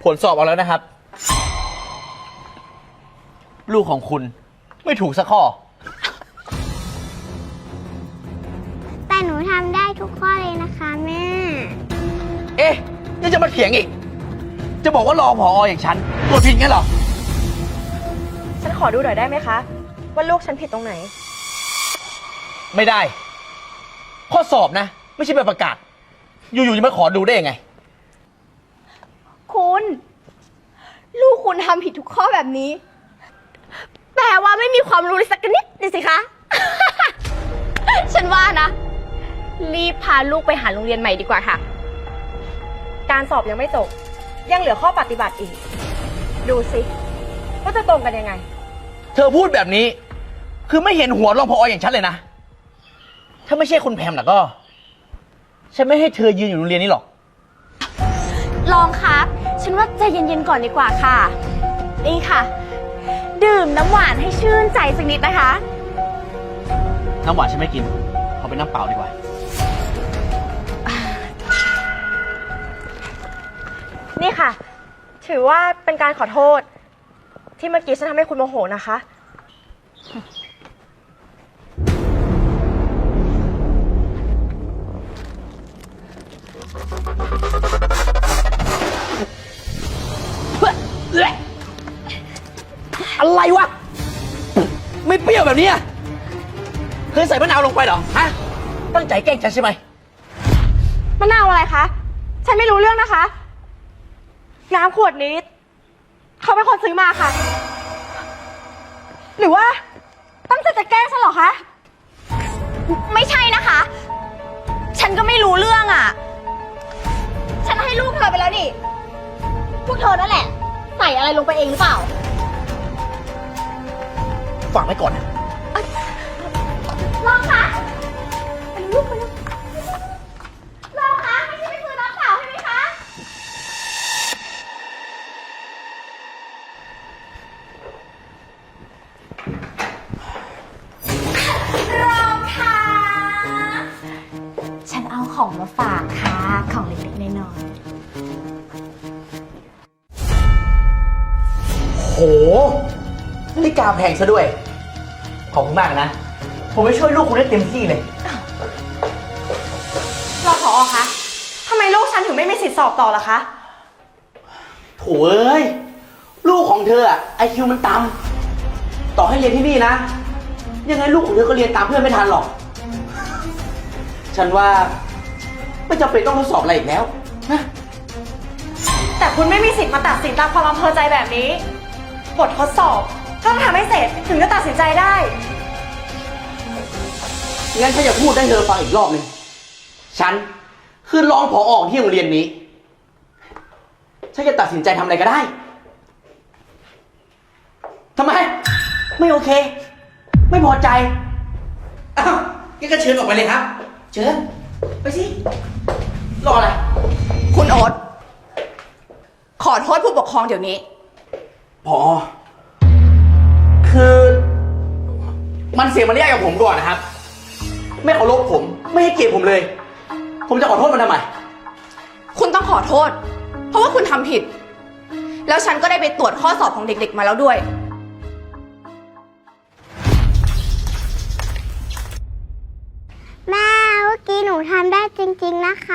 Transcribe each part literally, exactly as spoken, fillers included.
ผลสอบออกแล้วนะครับ ลูกของคุณไม่ถูกสักข้อแต่หนูทำได้ทุกข้อเลยนะคะแม่เอ๊ะยังจะมาเถียงอีก จะบอกว่ารอผออย่างฉันตรวจผิดงั้นเหรอฉันขอดูหน่อยได้ไหมคะ ว่าลูกฉันผิดตรงไหนไม่ได้ ข้อสอบนะ ไม่ใช่ใบประกาศ อยู่ๆจะมาขอดูได้ยังไงคุณ ลูกคุณทำผิดทุกข้อแบบนี้ แปลว่าไม่มีความรู้เลยสักนิดเลยสิคะ ฉันว่านะ รีบพาลูกไปหาโรงเรียนใหม่ดีกว่าค่ะ การสอบยังไม่จบ ยังเหลือข้อปฏิบัติอีก ดูสิว่าจะตรงกันยังไงเธอพูดแบบนี้ คือไม่เห็นหัวรองผออย่างฉันเลยนะ ถ้าไม่ใช่คุณแพมล่ะก็ ฉันไม่ให้เธอยืนอยู่โรงเรียนนี้หรอกลองครับ ฉันว่าใจเย็นๆก่อนดีกว่าค่ะ นี่ค่ะ ดื่มน้ำหวานให้ชื่นใจสักนิดนะคะน้ำหวานฉันไม่กิน เอาเป็นน้ำเปล่าดีกว่านี่ค่ะ ถือว่าเป็นการขอโทษ ที่เมื่อกี้ฉันทำให้คุณโมโหนะคะอะไรวะ ไม่เปรี้ยวแบบนี้อะเคยใส่มะนาวลงไปเหรอ ฮะ ตั้งใจแกล้งฉันใช่ไหมมะนาวอะไรคะ ฉันไม่รู้เรื่องนะคะ น้ำขวดนี้ เขาเป็นคนซื้อมาค่ะ หรือว่าตั้งใจจะแกล้งฉันเหรอคะ ไม่ใช่นะคะ ฉันก็ไม่รู้เรื่องอ่ะ ฉันให้ลูกเธอไปแล้วนี่ พวกเธอนั่นแหละ ใส่อะไรลงไปเองหรือเปล่าฝากไว้ก่อนนะลองคะไปลูกไปลูกลองคะไม่ใช่ไปซื้อน้ำเปล่าใช่ไหมคะรองค่ะฉันเอาของมาฝากค่ะ ของเล็กๆน้อยโหนาฬิกาแพงซะด้วย ขอบคุณมากนะ ผมไปช่วยลูกคุณได้เต็มที่เลยๆรองผอคะทำไมลูกฉันถึงไม่มีสิทธิ์สอบต่อล่ะคะโถเอ้ย ลูกของเธออะไอคิวมันต่ำต่อให้เรียนที่นี่นะ ยังไงลูกของเธอก็เรียนตามเพื่อนไม่ทันหรอก ฉันว่าไม่จำเป็นต้องทดสอบอะไรอีกแล้วนะแต่คุณไม่มีสิทธิ์มาตัดสินตามความอำเภอใจแบบนี้ บททดสอบต้องทำให้เสร็จถึงจะตัดสินใจได้งั้นฉันจะพูดให้เธอฟังอีกรอบหนึ่ง ฉันคือรองผออที่โรงเรียนนี้ ฉันจะตัดสินใจทำอะไรก็ได้ ทำไม ไม่โอเค ไม่พอใจ อ้าวงั้นก็เชิญออกไปเลยครับ เชิญ ไปสิ รออะไรคุณโอ๊ตขอโทษผู้ปกครองเดี๋ยวนี้พอ คือ มันเสียมารยาทกับผมก่อนนะครับ ไม่เคารพผม ไม่ให้เกียรติผมเลย ผมจะขอโทษมันทำไมคุณต้องขอโทษ เพราะว่าคุณทำผิด แล้วฉันก็ได้ไปตรวจข้อสอบของเด็กๆมาแล้วด้วยแม่เมื่อกี้หนูทำได้จริงๆนะคะ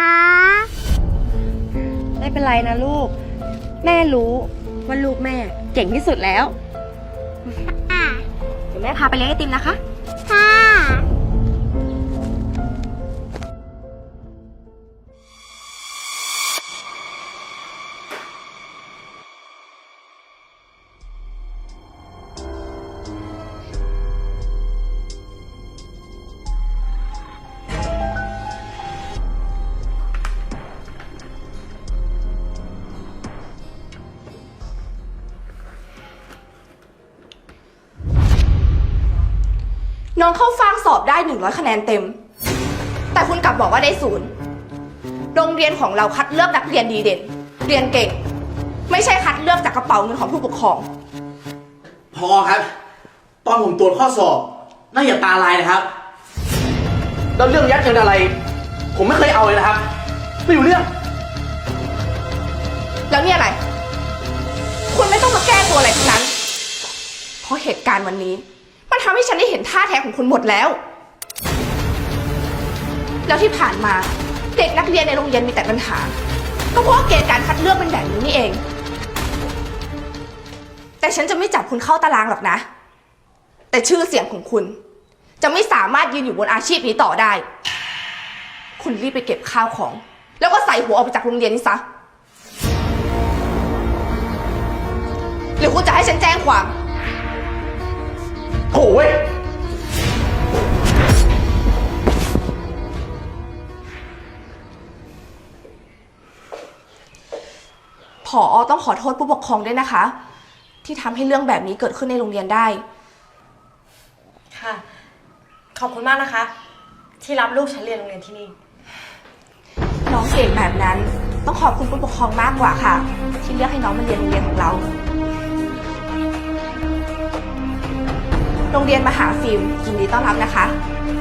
ไม่เป็นไรนะลูก แม่รู้ว่าลูกแม่เก่งที่สุดแล้วค่ะเดี๋ยวแม่พาไปเลี้ยงไอติมนะคะค่ะน้องเข้าฟางสอบได้หนึ่งร้อยคะแนนเต็ม แต่คุณกลับบอกว่าได้ศูนย์ โรงเรียนของเราคัดเลือกนักเรียนดีเด่น เรียนเก่ง ไม่ใช่คัดเลือกจากกระเป๋าเงินของผู้ปกครองพอครับ ตอนผมตรวจข้อสอบน่าอย่าตาลายนะครับ แล้วเรื่องยัดเงินอะไร ผมไม่เคยเอาเลยนะครับ ไม่รู้เรื่องแล้วนี่อะไรแก้ตัวอะไรทั้งนั้น เพราะเหตุการณ์วันนี้มันทำให้ฉันได้เห็นท่าแท้ของคุณหมดแล้ว แล้วที่ผ่านมาเด็กนักเรียนในโรงเรียนมีแต่ปัญหา ก็เพราะเกณฑ์การคัดเลือกเป็นแบบนี้นี่เอง แต่ฉันจะไม่จับคุณเข้าตารางหรอกนะ แต่ชื่อเสียงของคุณจะไม่สามารถยืนอยู่บนอาชีพนี้ต่อได้ คุณรีบไปเก็บข้าวของ แล้วก็ใส่หัวออกไปจากโรงเรียนนี้ซะ หรือคุณจะให้ฉันแจ้งความโถ่เว้ยผอ.ต้องขอโทษผู้ปกครองด้วยนะคะ ที่ทำให้เรื่องแบบนี้เกิดขึ้นในโรงเรียนได้ค่ะ ขอบคุณมากนะคะ ที่รับลูกฉันเรียนโรงเรียนที่นี่น้องเก่งแบบนั้นต้องขอบคุณผู้ปกครองมากกว่าค่ะ ที่เลือกให้น้องมาเรียนโรงเรียนของเรา โรงเรียนมหาฟิล์มยินดีต้อนรับนะคะ